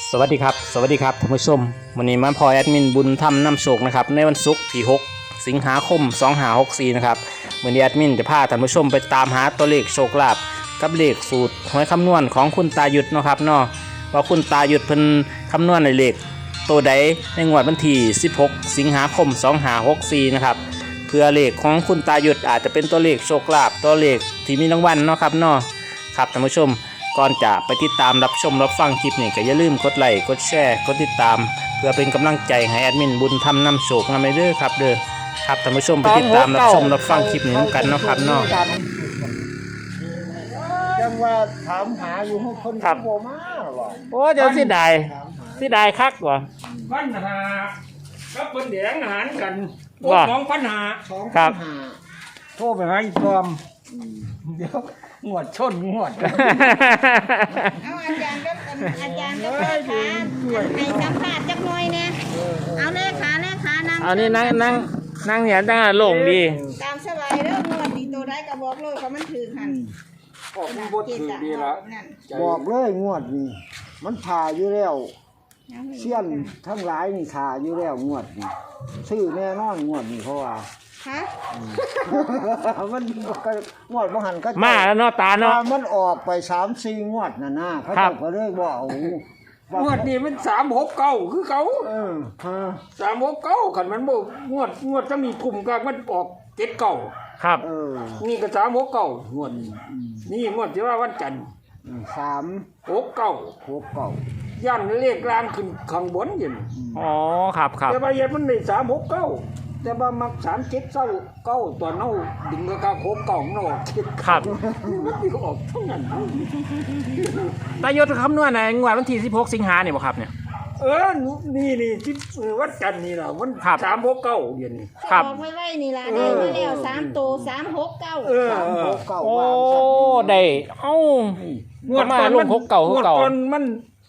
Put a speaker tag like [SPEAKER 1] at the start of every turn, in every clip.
[SPEAKER 1] สวัสดีครับท่านผู้ชมวันนี้มาพอแอดมินบุญธรรมนำโชคนะครับในวันศุกร์ที่6สิงหาคม2564นะครับวันนี้แอดมินจะพาท่านผู้ชมไปตามหาตัวเลขโชคลาภกับเลขสูตรหวยคำนวณของคุณตาหยุดนะครับเนาะว่าคุณตาหยุดเพิ่นคำนวณในเลขตัวใดในงวดวันที่16สิงหาคม2564นะครับเพื่อเลขของคุณตาหยุดอาจจะเป็นตัวเลขโชคลาภตัวเลขที่มีรางวัลเนาะครับเนาะครับท่านผู้ชมก่อนจะไปติดตามรับชมรับฟังคลิปนี้ก็อย่าลืมกดไลค์กดแชร์กดติดตามเพื่อเป็นกำลังใจให้แอดมินบุญทำนำโชคนำไปเด้อครับครับท่านผู้ชมไปติดตามรับชมรับฟังคลิปนี้กันเนาะครับเนาะ
[SPEAKER 2] จังว่าถามหาอยู่ให้คนโบมาหรอ
[SPEAKER 1] โอ้เจ้าสิได้คักว่ะ
[SPEAKER 3] ปัญหากับเป็นแดงอาหารกัน
[SPEAKER 1] ว่า
[SPEAKER 3] สองปัญหา
[SPEAKER 1] ครับ
[SPEAKER 3] โทรไปหาอีกอมเดี๋ยวงวดชนงวด
[SPEAKER 4] เอาอาจารย์ก็เลขาให้สัมภาษณ์จักหน่อยเนี่ยเอาเลขานั่ง
[SPEAKER 1] เอานี่นั่งเนี่ยตั้งโล่งดี
[SPEAKER 4] ตามสบายเด้องวดดีตัวได้ก็บอกเลยเขามันถือหัน
[SPEAKER 3] ออกบทถือดีละ
[SPEAKER 2] บอกเลยงวดนี้มันผ่าอยู่แล้วเชี่ยนทั้งหลายนี่ผ่าอยู่แล้วงวดนี้ชื่อแน่นอนงวดนี้เพราะว่า
[SPEAKER 4] ฮะ
[SPEAKER 2] มันงวดบ่หันก็
[SPEAKER 1] มาแล้วเนาะตาเนาะ
[SPEAKER 2] มันออกไป3-4งวดน่ะนะเขาก็เลยบ่เอา
[SPEAKER 3] งวดนี้มัน369คือเขา369คันมันบ่งวดจะมีกลุ่มกลางมันออก79
[SPEAKER 1] ครับ
[SPEAKER 3] นี่ก็369งวดนี่งวดที่ว่าวันจันทร์
[SPEAKER 2] 369
[SPEAKER 3] ย่านเลขกลางขึ้นข้างบนอยู่
[SPEAKER 1] อ๋อครับ
[SPEAKER 3] แต่ว่าเย็นมันได้369แต่ว่ามัก3729ตอนเฮาดึงกะ69มันออก
[SPEAKER 1] ครับ
[SPEAKER 3] มันออกเท่านั้น
[SPEAKER 1] ตาหยุดคำนวณในงวดวันที่16สิงหาเนี่ยบ่ครับเนี่ย
[SPEAKER 3] นี่ที่วัดกันนี่ล่ะมัน369เดือนนี้
[SPEAKER 4] ครับบอกไว้นี่ล่ะได้มาแล้ว3ตัว369
[SPEAKER 1] โอ้ได้เอ้างวดมาลง69คือเก่า
[SPEAKER 3] ตอนมัน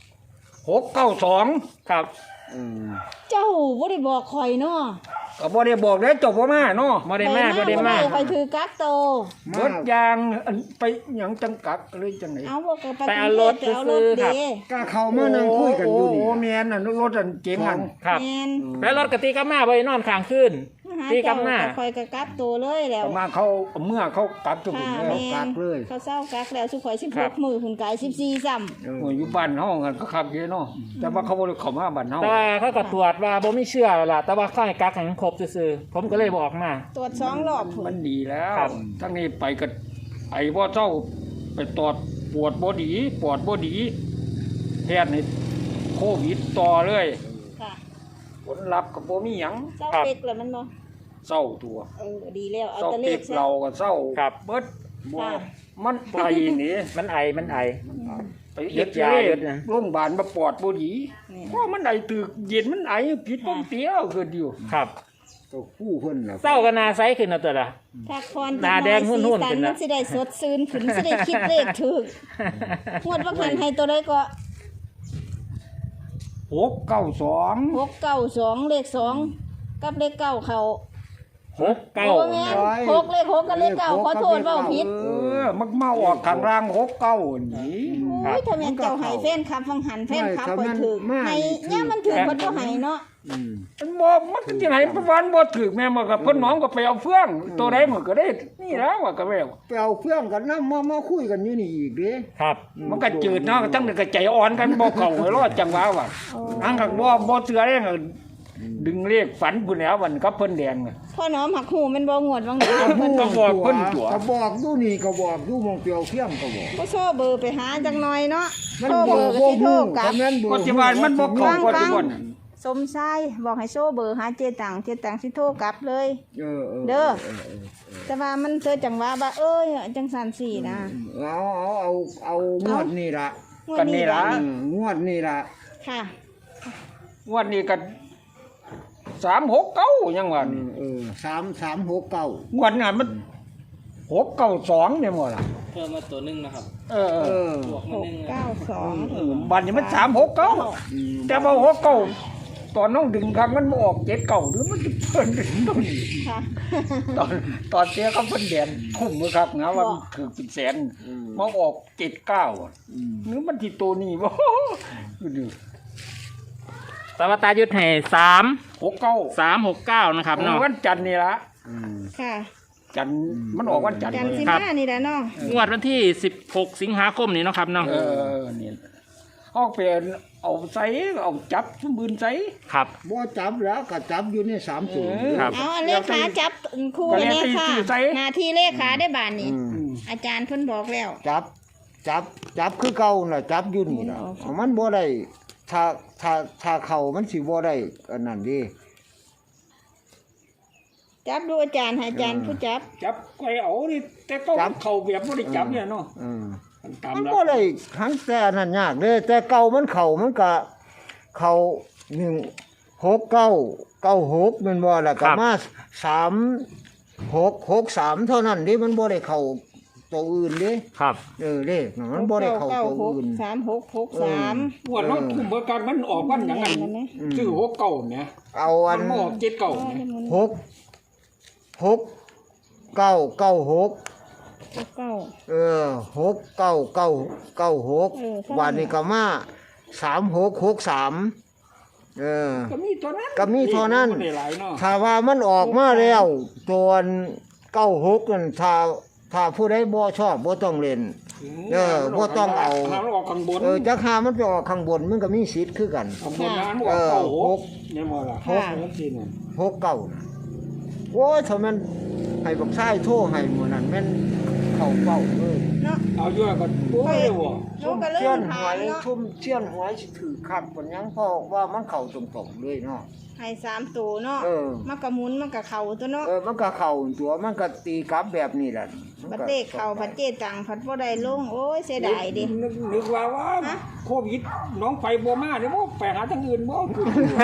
[SPEAKER 3] 692ครับ
[SPEAKER 4] เจ้าบ่ได้บอกข่อยเนาะ
[SPEAKER 3] ก็บ่ได้บอกได้จบบ่มาเนาะ
[SPEAKER 1] บ่ได้มา
[SPEAKER 4] ข่อยถือกักโต
[SPEAKER 3] เบิดยางไปหยังจังกักเลยจังได๋
[SPEAKER 4] เอาบ่ก็
[SPEAKER 1] ไปเอารถซื้อครับ
[SPEAKER 2] ก็เข้ามานั่งคุยกันอยู่นี่
[SPEAKER 3] โอ้แม่นน่ะรถอันเก๋งหั่น
[SPEAKER 1] ครับแล้วรถกะติกลับมาบ่ได้นอนค้างคืนตีกลับมา
[SPEAKER 4] ข่อยก็กักโตเลยแล้ว
[SPEAKER 3] มาเขาเมื่อเขากักจุ่มแล้ว
[SPEAKER 2] กักเลย
[SPEAKER 4] เขาเซากักแล้วสุข่อย16มื้อหุ่นกาย14ซ้
[SPEAKER 3] ำอยู่บ้านเฮากันก็คักเยอะเนาะแต่ว่าเขาบ่ได้เข้ามาบ้านเฮา
[SPEAKER 1] แต่เขาก็ตรวจว่าบ่มีเชื้อล่ะแต่ว่าเขาให้กักให้ครบซื่อๆผมก็เลยบอกมา
[SPEAKER 4] ตรวจ2รอบ
[SPEAKER 3] มันดีแล้วทั้งนี้ไปก็ไอ้บ่เจ้าไปตรวจปวดบ่ดีแพทย์นี่โควิดต่อเลย
[SPEAKER 4] ค่ะ
[SPEAKER 3] ผลลัพธ์ก็บ่มีหยัง
[SPEAKER 4] เศร้าเป็กแล้วมันบ่
[SPEAKER 3] เศร้าตัว
[SPEAKER 4] ดีแล้วเอา
[SPEAKER 3] ตะเลขเราก็เศร้าเบิดบ่มันไอนี่
[SPEAKER 1] มันไอ
[SPEAKER 3] ไปเฮ็ดยาโรงพยาบาลมาปอดบ่ดีเพราะมันไอตึกเย็นมันไอผิดปกติเอาคืออยู่
[SPEAKER 1] ครับ
[SPEAKER 2] ตัวคู่เพิ่นน่ะ
[SPEAKER 1] เศร้าก็น่าใสขึ้นเอาตัวล่ะ
[SPEAKER 4] พักผ่อนหน้าแดงหุ่นๆขึ้นมันสิได้สดชื่นขึ้นสิได้คิดเลขถูกงวดว่าเพิ่นให้ตัวใดก็
[SPEAKER 3] 692
[SPEAKER 4] เลข2กับเลข9เข้า
[SPEAKER 1] 6เล
[SPEAKER 4] ข6กับเลข9ขอโทษเว้าผิด
[SPEAKER 3] มันเมาออกข้างล่าง69นี่
[SPEAKER 4] โอ้ยถ้าแม่นเจ้าให้แฟนคลับฟังหันแฟนคลับเพิ่นถูกให้เนี่ยมันถูกเพิ่นบ่ให้เนาะ
[SPEAKER 3] มันบ่มันสิให้วันบ่ถูกแม่มันก็เพิ่นน้องก็ไปเอาเฟืองตัวใดมันก็ได้นี่แล้วว่าก็แล้ว
[SPEAKER 2] ไปเอาเฟืองกันนำมาคุยกันอยู่นี่อีกเด้
[SPEAKER 1] ครับ
[SPEAKER 3] มันก็จืดเนาะจังก็ใจอ่อนกันบ่เข้าให้รอดจังว่าว่าอังก็บ่เชื่อเด้ดึงเลขฝันพุ่นแล้ววันกับเพิ่นแดงน่ะ
[SPEAKER 4] พ่อน้อมหักหูมันบ่งวดวังนี้
[SPEAKER 3] เพิ่นก็บอกเพิ่นตัว
[SPEAKER 2] ก็บอกอยู่นี่ก็บอกอยู่มองเปียวเพียงก็บอก
[SPEAKER 4] บ่โชว์เบอร์ไปหาจังหน่อยเนาะโชว์เบอร์ก็สิโทรกลับ
[SPEAKER 3] ปัจจุบันมันบ่เข้าปัจจุบัน
[SPEAKER 4] สมชายบอกให้โชว์เบอร์หาเจตังสิโทรกลับเลยเด้อแต่ว่ามันเธอจังว่าจังซั่นสินะ
[SPEAKER 2] เอางวดนี่ล่ะ
[SPEAKER 3] กันนี่ล่ะ
[SPEAKER 2] งวดนี่ล่ะ
[SPEAKER 4] ค่ะ
[SPEAKER 3] งวดนี้ก็369ยังว่านี่
[SPEAKER 2] 3369
[SPEAKER 3] งวดนั้นมัน692เนี่ยหมดล่ะ
[SPEAKER 1] เพิ่มมาตัวนึงนะครับบวกมานึง
[SPEAKER 4] 92
[SPEAKER 3] บัดนี้มัน369แต่ว่า69ตอนน้องดึงครั้งมันออก79หรือมันเพิ่นดึงตรงนี้ค่ะตอนเสียเขาเพิ่นแดนคุ้มบ่ครับนะว่าคือเป็นแสนมาออก79หรือมันที่ตัวนี้บ่ดู
[SPEAKER 1] แต่ว่าตายุทธให้369นะครับเนาะ
[SPEAKER 3] วันจันทร์นี่ละ
[SPEAKER 4] ค่ะ
[SPEAKER 3] จันทร์มันออกวันจันทร์
[SPEAKER 4] จันทร์สิ
[SPEAKER 1] ครับ
[SPEAKER 4] มานี่แหละเนาะ
[SPEAKER 1] งวดวันที่16สิงหาคมนี้เนาะครับเนาะ
[SPEAKER 3] นี่เอาเป็นเอาใส่เอาจับสมบูรณ์ใส่
[SPEAKER 1] ครับ
[SPEAKER 2] บ่จับแล้วก็จับอยู่ใน3สูง
[SPEAKER 1] ครับ
[SPEAKER 4] เอาอันเลขาจับคู่
[SPEAKER 3] ก็
[SPEAKER 4] เล
[SPEAKER 3] แล้วแต่
[SPEAKER 4] ขา
[SPEAKER 3] ชื่อใส่
[SPEAKER 4] หน้าที่เลขาได้บานนี่อาจารย์เพิ่นบอกแล้ว
[SPEAKER 2] จับคือเก่าน่ะจับอยู่นี่ล่ะมันบ่ได้ถ้าเข้ามันสิบ่ได้อันนั้นดิ
[SPEAKER 4] จับดูอาจารย์ให้อาจารย์ผู้จับ
[SPEAKER 3] จับไก่เอานี่แต่ก็เข่าแบบไม่ได้จับเนี่ยเนาะตาม
[SPEAKER 2] มัน
[SPEAKER 3] แล้ว
[SPEAKER 2] บ่ได้ทั้งแต่นั่นยากเด้แต่เก่ามันเข้ามันก็เข้า16996แม่นบ่ล่ะก็มา3663เท่านั้นดิมันบ่ได้เข้าตัวอื่นดิ
[SPEAKER 1] ครับ
[SPEAKER 2] เลขน่ะมันบ่ได้เข้าตัวอื่น
[SPEAKER 4] 3663
[SPEAKER 3] งวดรถคุมเบอร์การมันออกวันอย่างนั้นชื่อ69เนี่ย
[SPEAKER 2] เอาอั
[SPEAKER 3] มัน นออก79เนี่ย
[SPEAKER 2] 66996 69996วันนี้ก็มา3663
[SPEAKER 3] ก็มีตัวนั้น
[SPEAKER 2] ก็มีเท่านั้น
[SPEAKER 3] ได้หลายเนาะ
[SPEAKER 2] ถ้าว่ามันออกมาแล้วตัว96นั่นถ้าผู้ใดบ่ชอบบ่ต้องเล่นบ่ต้องเอา
[SPEAKER 3] มันออกข้างบน
[SPEAKER 2] จักหามันไปออกข้างบนมันก็มีสิทธิ์คือกัน
[SPEAKER 3] ข้างบนนั้นออก96เนี่ยบ่ล่ะ6นี่น่ะ
[SPEAKER 2] 69น่ะโอ้ยถ้ามันให้บักชายโทรให้หมู่นั้นแม่นเข้าเป้าเลย
[SPEAKER 4] เนาะ
[SPEAKER 3] เอาอยู่ก็โอ้ยบ่
[SPEAKER 4] หนูก็เริ่
[SPEAKER 2] เชี่ย
[SPEAKER 4] ม
[SPEAKER 2] นห
[SPEAKER 4] ถา
[SPEAKER 2] วย
[SPEAKER 4] มเนาะ
[SPEAKER 2] ชุ่มเชี่ยนหวยสิถือคักปานหยังเพราะว่ามันเข้าตรงๆเลยเนาะ
[SPEAKER 4] ให้3ตัวเนาะมันก็หมุนมันก็เข้าตัวเนาะ
[SPEAKER 2] มันก็เข้าตัวมันก็ตีกลับแบบนี้แหละ
[SPEAKER 4] บัดเตกเข้าบัดเจตังผัดบ่ได้ลงโอ้ยเสียดายดิ
[SPEAKER 3] นึกว่าโควิดน้องไปบ่มาเด้บ่ไปหาทางอื่นบ่คือ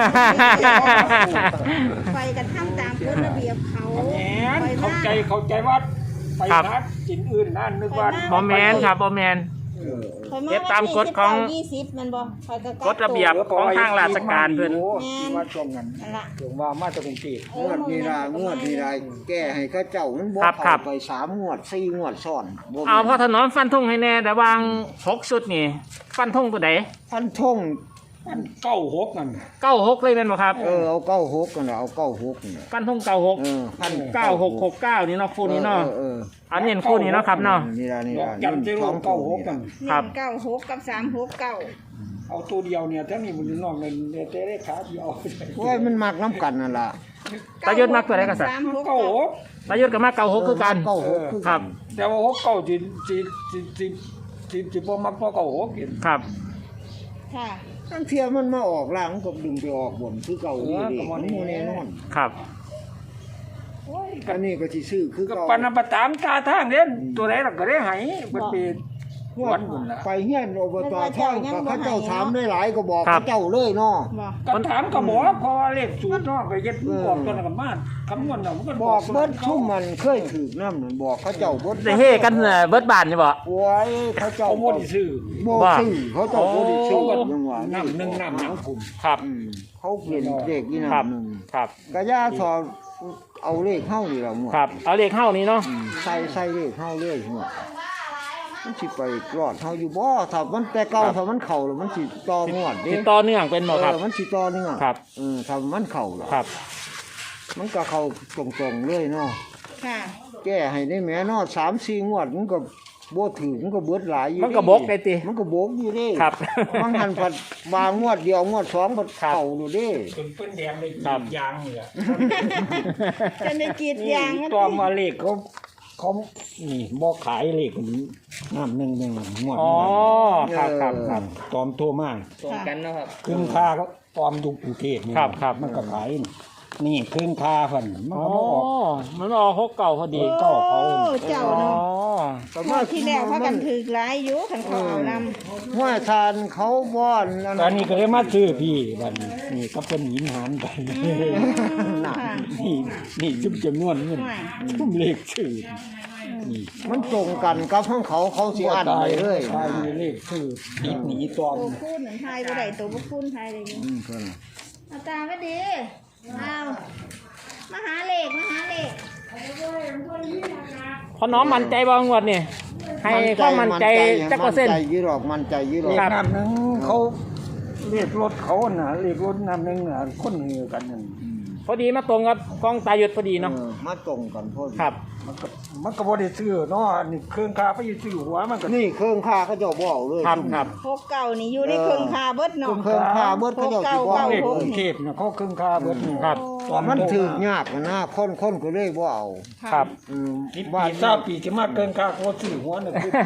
[SPEAKER 4] ไปกันทำตามกฎระเบียบเขา
[SPEAKER 3] แหมเข้าใจว่าไปหากินอื่นนั่นนึกว่า
[SPEAKER 1] บ่แมนครับบ่แมน เก็บตามกฎของ
[SPEAKER 4] 20มันบ่ข่อยก็
[SPEAKER 1] กฎระเบียบของทางราชการเพิ่น
[SPEAKER 3] ว่าช่วงนั้น
[SPEAKER 4] นั่นล่ะ
[SPEAKER 3] ถึงว่ามาจากกรุงเทพ
[SPEAKER 2] งวดนี้ล่ะแก้ให้เขาเจ้ามันบ่
[SPEAKER 1] ครั
[SPEAKER 2] เข้า
[SPEAKER 1] บ
[SPEAKER 2] ไป3งวด4งวดซ้อนบ่
[SPEAKER 1] เอาพ่อถนอมฟันธงให้แน่แต่วาง6ชุดนี่ฟันธงตัวใด
[SPEAKER 2] พันธง
[SPEAKER 3] มัน96นั่น
[SPEAKER 1] 96เลยแม่นบ่ครับ
[SPEAKER 2] เอา96กันเอา96นี่
[SPEAKER 1] ฟันธง96
[SPEAKER 2] พัน
[SPEAKER 1] 9669นี่เนาะคู่นี้เนาะอันนี้คู่นี้เนาะครับเนาะ
[SPEAKER 2] นี่ล่ะ
[SPEAKER 3] ยันจะลง96กัน
[SPEAKER 1] ครับ
[SPEAKER 4] 96กับ369
[SPEAKER 3] เอาตัวเดียวเนี่ยทั้งนี้มันนอกเลยแต่ได้ขาเดียว
[SPEAKER 2] โอ้ยมันมักน้ำกันนั่นล่ะ
[SPEAKER 1] ตายุทธมักตัวใดก็สั่น
[SPEAKER 3] 96
[SPEAKER 1] ตายุทธก็มัก96คือกัน
[SPEAKER 2] 96คือ
[SPEAKER 1] ค
[SPEAKER 2] กั
[SPEAKER 1] รั
[SPEAKER 2] น
[SPEAKER 1] บ
[SPEAKER 3] แต่ว่า69สิบ่มักพอ96กิน
[SPEAKER 1] ครับ
[SPEAKER 4] ค่ะ
[SPEAKER 2] ทั้งเที่ยมันมาออกล่างก็ดึงไปออกบนคือเก่านี่ดิมันบ่แน่นอน
[SPEAKER 1] ครับ
[SPEAKER 2] อันนี้ก็สิซื้อคือ
[SPEAKER 3] ก็
[SPEAKER 2] เก่า
[SPEAKER 3] ปานประตามตาทางเด่นตัวไหนล่ะก็ได้ให้มันเป็นวันบุญน่ะ
[SPEAKER 2] ไปเฮียนอบตท่องก็เขาเจ้าถามได้หลายก็บอกเขาเจ้าเลยเนาะ
[SPEAKER 4] บ่
[SPEAKER 3] ก็ถามก็บอกเพราะว่าเลขสูตรเนาะก็เฮ็ดบอกตัวนั้นก็มาคำนวณเนาะมันก็
[SPEAKER 2] บอกเบิดชุ่มมันเคยถือนำนั่นบอกเขาเจ้าเบิด
[SPEAKER 1] ได้เฮกันเบิดบานนี่บ่
[SPEAKER 2] โอ้ยเขาเจ้า
[SPEAKER 3] เขาบ่ได้ซื้อ
[SPEAKER 2] บ่ซื้อเขาเจ้าบ่ได้ซื้อ
[SPEAKER 1] โอ้
[SPEAKER 2] จังหวะ
[SPEAKER 3] น้ำหนึ่งน้ำหยังคุม
[SPEAKER 1] ครับ
[SPEAKER 2] เขาเปลี่ยนเลขอี
[SPEAKER 1] ครับ
[SPEAKER 2] นำนึง
[SPEAKER 1] ครับ
[SPEAKER 2] ก็ย่าสอเอาเลขเฮานี่ล่ะหมด
[SPEAKER 1] ครับเอาเลขเข้านี้เนาะ
[SPEAKER 2] ใส่เลขเฮาเลยหมดมันสิไปรอดเฮาอยู่บ่ถ้ามันแต่เก่าถ้ามันเข้าแล้วมันสิต่องวดเด้
[SPEAKER 1] ติดต่อเนื่องเป็นบ่ครับ
[SPEAKER 2] มันสิต่อเนื่อง
[SPEAKER 1] ครับ
[SPEAKER 2] ถ้ามันเข้าแล้ว
[SPEAKER 1] ครับ
[SPEAKER 2] มันก็เข้าตรงๆเลยเนาะ
[SPEAKER 4] ค่ะ
[SPEAKER 2] แก้ให้ได้แม่เนาะ3-4งวดมันก็บ่ถึงมันก็เบิดหลายอยู่
[SPEAKER 1] มันก็บกได้ติ
[SPEAKER 2] มันก็บกอยู่เด้
[SPEAKER 1] ครับ
[SPEAKER 2] มันหันผัดบางงวดเดียวงวด2ผัดเข้าดูเด้
[SPEAKER 3] จนเป็นแดงเลยยางนี่แหละ
[SPEAKER 4] จะได้กรีดยาง
[SPEAKER 3] ตอมมาเลขเขานี่บ่ขายเลขน้ำหนึ่งงวด
[SPEAKER 1] อ๋อครับครับครับ
[SPEAKER 3] ตอมโทรมา
[SPEAKER 1] ตรงกันเนาะครับ
[SPEAKER 3] ครึ่งค่าก็ตอมอยู่กรุงเทพนี่
[SPEAKER 1] ครับครับ
[SPEAKER 3] มันก็ขายนี่ครึ่งค่าเพิ่นมัน
[SPEAKER 1] อ๋อ
[SPEAKER 3] ก็บ่ออก
[SPEAKER 1] มันออก6เก่าพอดี
[SPEAKER 3] เก้าเขา
[SPEAKER 4] โอ้เจ้า
[SPEAKER 1] อ๋อ
[SPEAKER 4] เนาะ
[SPEAKER 2] แต่
[SPEAKER 4] งวดที่แล้วพากันถือหลายอยู่คันเขาเอานำ
[SPEAKER 2] ห้วยทานเขาบ่อนนั่น
[SPEAKER 3] ตอนนี้ก็ได้มาซื้อพี่บัดนี้นี่ก็เป็นหินหานไป
[SPEAKER 4] ค่ะ
[SPEAKER 3] นี่จุ่มจำนวนเงินจุ่มเลขชื่อนี่
[SPEAKER 2] มันตรงกันกับของเขาเขาสิอันไปเลย
[SPEAKER 3] ตายมีเลขชื่อติดหนีตอม
[SPEAKER 4] ตัวคูณเหมือนไทยบ่ได้ตัวบ่คูณไทยเลยนี่
[SPEAKER 2] เพิ่น
[SPEAKER 4] เอาตาไว้ดีเอามาหาเลข
[SPEAKER 1] พอน้อมมั่นใจบ่งวดนี่ให้ความมั่นใจจักเปอร์เซ็นต์
[SPEAKER 2] มั่นใจยี่หรอกมั่นใจยี่หรอก
[SPEAKER 3] เลขน้ำหนึงเขาเลขรถเขาน่ะเลขรถนำหนึงน่ะคนเฮือกันนั่น
[SPEAKER 1] พอดีมาตรงกับกองตาหยุดพอดีเนาะ
[SPEAKER 2] มาตรงกันพอดี
[SPEAKER 1] ครับ
[SPEAKER 3] มันก็บ่ได้ซื้อเนาะนี่เครื่องคาไปอยู่ซื้อหัวมันก็
[SPEAKER 2] นี่เครื่องค่าเขาเจ้าบ่เอาเลย
[SPEAKER 1] ครับครับ
[SPEAKER 4] พกเก่านี่อยู่ในเครื่องคาเบิดเนาะ
[SPEAKER 2] เครื่องค่าเบิดเขาเจ้าสิบ่เอา
[SPEAKER 3] เลข
[SPEAKER 2] เล
[SPEAKER 3] กรุ
[SPEAKER 2] ย
[SPEAKER 3] งเทพน่ะเขาเครื่องคาเบิดนี่
[SPEAKER 1] ครับ
[SPEAKER 2] มันถือยากนะคนก็เลยบ่เอา
[SPEAKER 1] ครับ
[SPEAKER 2] อืม
[SPEAKER 3] ปี
[SPEAKER 2] บ้าน
[SPEAKER 3] ทราบปีที่มาเกินคาเขาซื้อหัวน่ะคือ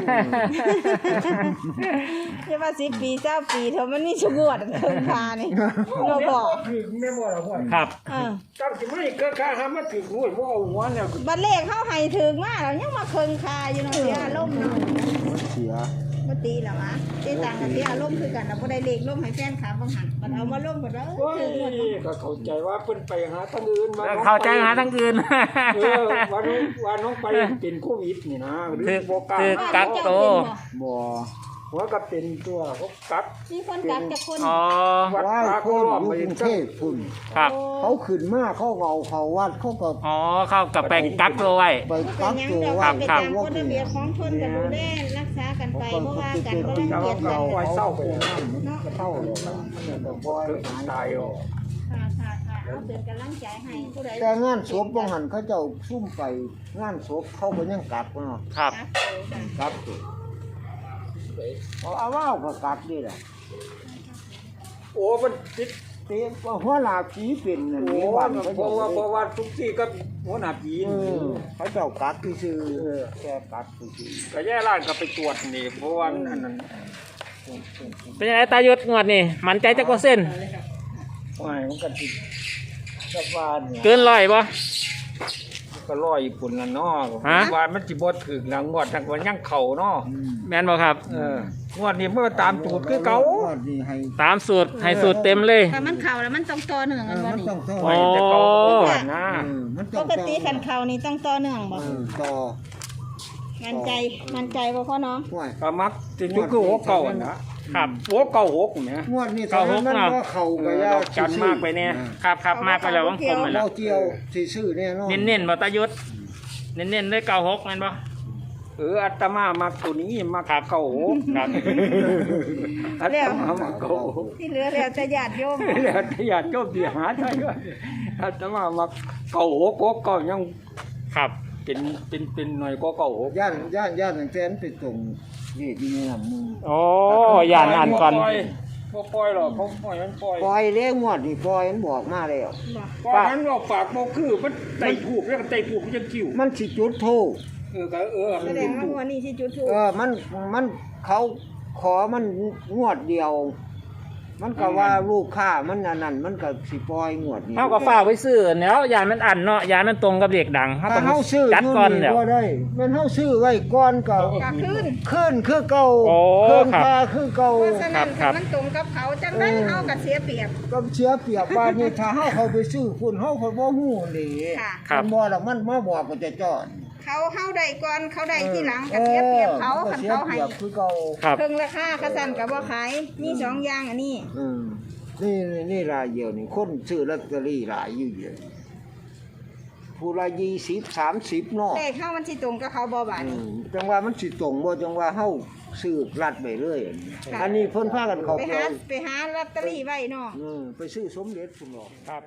[SPEAKER 4] อย่าว่า10 ปี20 ปีเถอะมันนี่ชงวดเครื่องคานี่เราบอก
[SPEAKER 3] คือแม่บ่ล่ะหัว
[SPEAKER 1] ครับ
[SPEAKER 3] จังสิไม่เครื่องคาหามาถึงหัวบ่เอาหัวเนี่ย
[SPEAKER 4] บัดเลขเฮาให้ถึงมาแล้วยังมาเครื่องคาอยู่เนาะเสียอารมณ์เนาะ
[SPEAKER 2] เสีย
[SPEAKER 4] บ่ตีแล้ววะเจ๊ตังกับเสียอารมณ์คือกันน่ะบ่ได้เลขลงให้แฟนคลับบางหันบัดเอามาลงบัดว่า
[SPEAKER 3] โอ้ย
[SPEAKER 4] ถึงหมด
[SPEAKER 3] ก็เข้าใจว่าเพิ่นไปหาทางอื่นมา
[SPEAKER 1] เข้าใจหาทั้งอื่น
[SPEAKER 3] ว่าน้องไปเป็นโควิดนี่นะหรือ
[SPEAKER 1] คือ
[SPEAKER 3] บ่กล้า
[SPEAKER 1] คือ กักโต
[SPEAKER 2] บ่
[SPEAKER 3] หัวก็เป็นตัวเขากัก
[SPEAKER 4] มีคนกักจักคน
[SPEAKER 1] อ๋อ
[SPEAKER 3] วัด
[SPEAKER 2] ว่า
[SPEAKER 3] ตา
[SPEAKER 2] ค
[SPEAKER 3] โคน รอบ
[SPEAKER 2] อยู่
[SPEAKER 3] ไป
[SPEAKER 2] กรุงเทพพุ่น
[SPEAKER 1] ครับ
[SPEAKER 2] เขาขึ้นมาเขาเอาเขาวัดเขาก็
[SPEAKER 1] อ๋อเข้ากับไปกักตัวไว้
[SPEAKER 2] ไป
[SPEAKER 4] เป็
[SPEAKER 2] กั
[SPEAKER 4] น
[SPEAKER 2] ก
[SPEAKER 4] หยัง
[SPEAKER 2] ตัว
[SPEAKER 4] ดอก
[SPEAKER 2] ไว้
[SPEAKER 4] ไปตามกฎระเบียบของคนก็ดูแลรักษากันไปบ่ว่ากันบ่รัง
[SPEAKER 3] แต่
[SPEAKER 4] เกี
[SPEAKER 3] ว่าย
[SPEAKER 4] จ
[SPEAKER 3] เรา
[SPEAKER 4] กัน
[SPEAKER 3] ไว้เศร้าไปนะ
[SPEAKER 2] เท่าเลยแต่บ่อย
[SPEAKER 3] ตายอ่ะ
[SPEAKER 4] ค่ะเอาเป็นกำลังใจให้ผู้ใด
[SPEAKER 2] แต่งานศพบางหันเขาเจ้าซุ่มไปงานศพเขาก็ยังกักเนาะ
[SPEAKER 1] ครับ
[SPEAKER 2] กักตัวเอาว่าวก็กักนี่แหละ
[SPEAKER 3] โอ้มันติด
[SPEAKER 2] เตี้ยว่าหัวหน้าผีเป็นนั่น
[SPEAKER 3] โอ้
[SPEAKER 2] นี่บ้านเขา
[SPEAKER 3] เพ
[SPEAKER 2] เจ้า
[SPEAKER 3] ราะว่าทุกที่ก็หัวหน้าผี
[SPEAKER 2] เขาเจ้ากักที่ชื่อแค่กักที่ชื่อ
[SPEAKER 3] ก็แย่ร้านก็ไปตรวจนี่เพราะว่าอันนั้น
[SPEAKER 1] เป็นยังไงตาหยุดงวดนี่มันใจจักว่าเส้น
[SPEAKER 3] ไม่มันก็ติดสักวันเนี่ย
[SPEAKER 1] เกินร้อยบ่
[SPEAKER 3] ก็ร้อยปุ่นละเนาะ
[SPEAKER 1] ฮะ
[SPEAKER 3] ว่ามันสิบ่ถึงหลังงวดทั้งวันยังเข่าเนาะ
[SPEAKER 1] แม่นบ่ครับ
[SPEAKER 3] งวดนี้เมื่อตามสูตรคือเก่า
[SPEAKER 2] นี่ให้
[SPEAKER 1] ตามสูตรให้สูตรเต็มเลย
[SPEAKER 4] ถ้ามันเข้าแล้วมันต้องต่อเนื่องกันบ่
[SPEAKER 2] มัน
[SPEAKER 4] นี่
[SPEAKER 2] ต้องต่อ
[SPEAKER 1] โอ้
[SPEAKER 3] แต่เก่าก่อนนะ
[SPEAKER 2] มัน
[SPEAKER 4] ป
[SPEAKER 2] ต้อง
[SPEAKER 4] กติคันเข้านี่ต้องต่อเนื่องบ่
[SPEAKER 2] ต่อ
[SPEAKER 4] มั่นใจบ่พ่อน้อง
[SPEAKER 2] ห่วย
[SPEAKER 3] ก็มักสิจุคือหัวเก่าอะนะครับ หัวเก่าหกเนี่ย
[SPEAKER 2] งวดนี้
[SPEAKER 1] เก้าหก
[SPEAKER 2] มัน
[SPEAKER 1] เนาะ
[SPEAKER 2] ก็เข้าไป
[SPEAKER 3] เออ
[SPEAKER 1] จันมากไปเนี่ยครับครับมากไปแล้ววังคมไปแล้ว
[SPEAKER 2] เราเกี่ยวสิซื้อแน่นอน
[SPEAKER 1] เน้นๆบ่ตาหยุดเน้นๆด้วย96แม่นบ่
[SPEAKER 3] อาตมามักตัวนี้มักเก่าหก
[SPEAKER 1] ครับ
[SPEAKER 3] อาตมามักเก่าหก
[SPEAKER 4] ที่เหลือแล้วจะญาติโยม
[SPEAKER 3] แล้วถ้าอยากโจมตีหาได้ก็อาตมามักเก่าหกหกเก่ายัง
[SPEAKER 1] ครับ
[SPEAKER 3] เป็นหน่อยก็เก่าหก
[SPEAKER 2] ย่านตั้งแต่นไปตรงนี่ที่นี่มึง
[SPEAKER 1] โอ้ย่านอ่านก่อน
[SPEAKER 3] บ่ปล่อยหรอกเขาปล่อยมันปล่อย
[SPEAKER 2] ปล่อยเลี้ยงงวดนี่ปล่อยมันบอกมาแล้ว
[SPEAKER 3] ปล่อยมันบอกฝากบ่คือมันไต่ผูกแล้วก็ไต่ผูกมันจะกิ้ว
[SPEAKER 2] มันสิจุดโทษ
[SPEAKER 4] แสดงว่าหัวนี่สิจุดถูก
[SPEAKER 2] มันเขาขอมันงวดเดียว มันก็ว่าลูกค้ามันอันนั้นมันก็สิปล่อยงวดนี้
[SPEAKER 1] เฮาก็ฝากไว้ซื้อแล้วยานมันอันเนาะยานมันตรงกับเลขดังเฮา
[SPEAKER 2] ถ้า
[SPEAKER 1] ต้อง
[SPEAKER 2] เฮาซื้อ
[SPEAKER 1] จัดก่อน
[SPEAKER 2] ยู่
[SPEAKER 1] เดี๋ยว
[SPEAKER 2] บ่ได้มันเฮาซื้อไว้ก่อนก็
[SPEAKER 4] กะขึ้น
[SPEAKER 2] ขึ้นคือเก่า
[SPEAKER 1] โอ้
[SPEAKER 2] ขึ้น
[SPEAKER 1] ครับ
[SPEAKER 2] ค่าคือเก่า
[SPEAKER 4] เพราะฉะนั้น
[SPEAKER 1] ครับ
[SPEAKER 4] มันตรงกับเขาจังได้เฮาก็เสียเปรียบ
[SPEAKER 2] ก็เสียเปรียบบ้านนี้ถ้าเฮาเข้าไปซื้อคุณเฮาก็บ่ฮู้นี่
[SPEAKER 4] ค่ะ
[SPEAKER 1] ครับ
[SPEAKER 2] มันบ่ล่ะมันมาบอกก็จะจอด
[SPEAKER 4] เขาได้ก่อนเขาได้ที่หลังก็เสียเปรียบเขา
[SPEAKER 2] ก็
[SPEAKER 4] คัน
[SPEAKER 2] เสีย
[SPEAKER 4] เขา
[SPEAKER 2] เป
[SPEAKER 4] ให้
[SPEAKER 2] รียบคือเก่า
[SPEAKER 1] ครับ
[SPEAKER 4] เพิ่งราคาเขาสั่นก็บ่ขายมีสองอย่างอันนี้
[SPEAKER 2] นี่รายเดียวนี่คนซื้อลอตเตอรี่หลายอยู่เยอะผู้ละ20 30เนาะ
[SPEAKER 4] เลขเฮามันสิตรงกับเขาบ่บาดนี้
[SPEAKER 2] จังว่ามันสิตรงบ่จังว่าเฮาซื้อรัดไปเรื่อยอันนี้เพิ่นพากันเข้า
[SPEAKER 4] ไป
[SPEAKER 2] ไป
[SPEAKER 4] หาลอตเตอรี่ไว้เนาะ
[SPEAKER 2] ไปซื้อสมเด็จพุ่นเนาะ
[SPEAKER 1] ครับ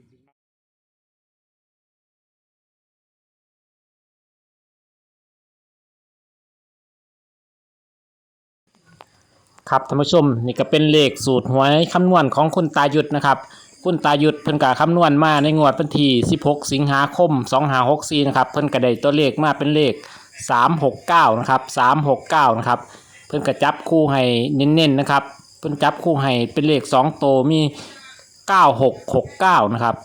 [SPEAKER 1] ครับท่านผู้ชมนี่ก็เป็นเลขสูตรหวยคำนวณของคุณตาหยุดนะครับคุณตาหยุดเพิ่นก็คำนวณมาในงวดวันที่16สิงหาคม2564นะครับเพิ่นก็ได้ตัวเลขมาเป็นเลข369นะครับ369นะครับเพิ่นก็จับคู่ให้เน้นๆนะครับเพิ่นจับคู่ให้เป็นเลข2ตัวมี9669นะครับ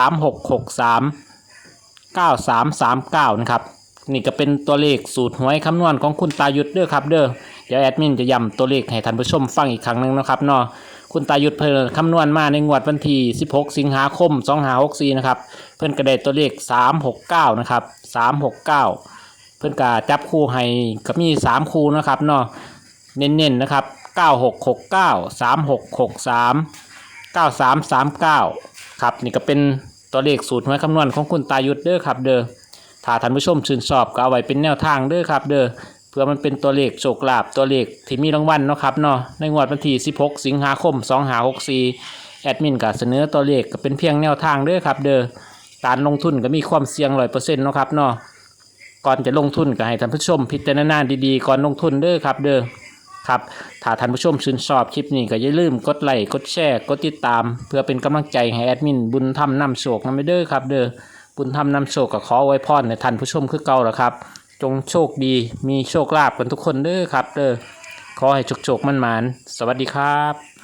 [SPEAKER 1] 3663 9339นะครับนี่ก็เป็นตัวเลขสูตรหวยคำนวณของคุณตาหยุดเด้อครับเด้อเดี๋ยวแอดมินจะย้ำตัวเลขให้ท่านผู้ชมฟังอีกครั้งหนึ่งนะครับเนาะคุณตาหยุดเพิ่นคำนวณมาในงวดวันที่16สิงหาคม2564นะครับเพิ่นก็ได้ตัวเลข369นะครับ369เพิ่นก็จับคู่ให้ก็มี3คู่นะครับเนาะเน้นๆนะครับ9669 3663 9339ครับนี่ก็เป็นตัวเลขสูตรหวยคำนวณของคุณตาหยุดเด้อครับเด้อถ้าท่านผู้ชมชื่นชอบก็เอาไว้เป็นแนวทางเด้อครับเด้อเพื่อมันเป็นตัวเลขโชคลาภตัวเลขที่มีรางวัลเนาะครับเนาะในงวดวันที่16 สิงหาคม 2564แอดมินก็เสนอตัวเลขก็เป็นเพียงแนวทางเด้อครับเด้อการลงทุนก็มีความเสี่ยง 100% เนาะครับเนาะก่อนจะลงทุนก็ให้ท่านผู้ชมพิจารณาดีๆก่อนลงทุนเด้อครับเด้อครับถ้าท่านผู้ชมชื่นชอบคลิปนี้ก็อย่าลืมกดไลค์กดแชร์กดติดตามเพื่อเป็นกำลังใจให้แอดมินบุญธรรมนำโชคนำไปเด้อครับเด้อบุญธรรมนำโชคก็ขอไว้พรในท่านผู้ชมคือเก่าแล้วครับจงโชคดีมีโชคลาภกันทุกคนเด้อครับเด้อขอให้โชคๆมั่นๆสวัสดีครับ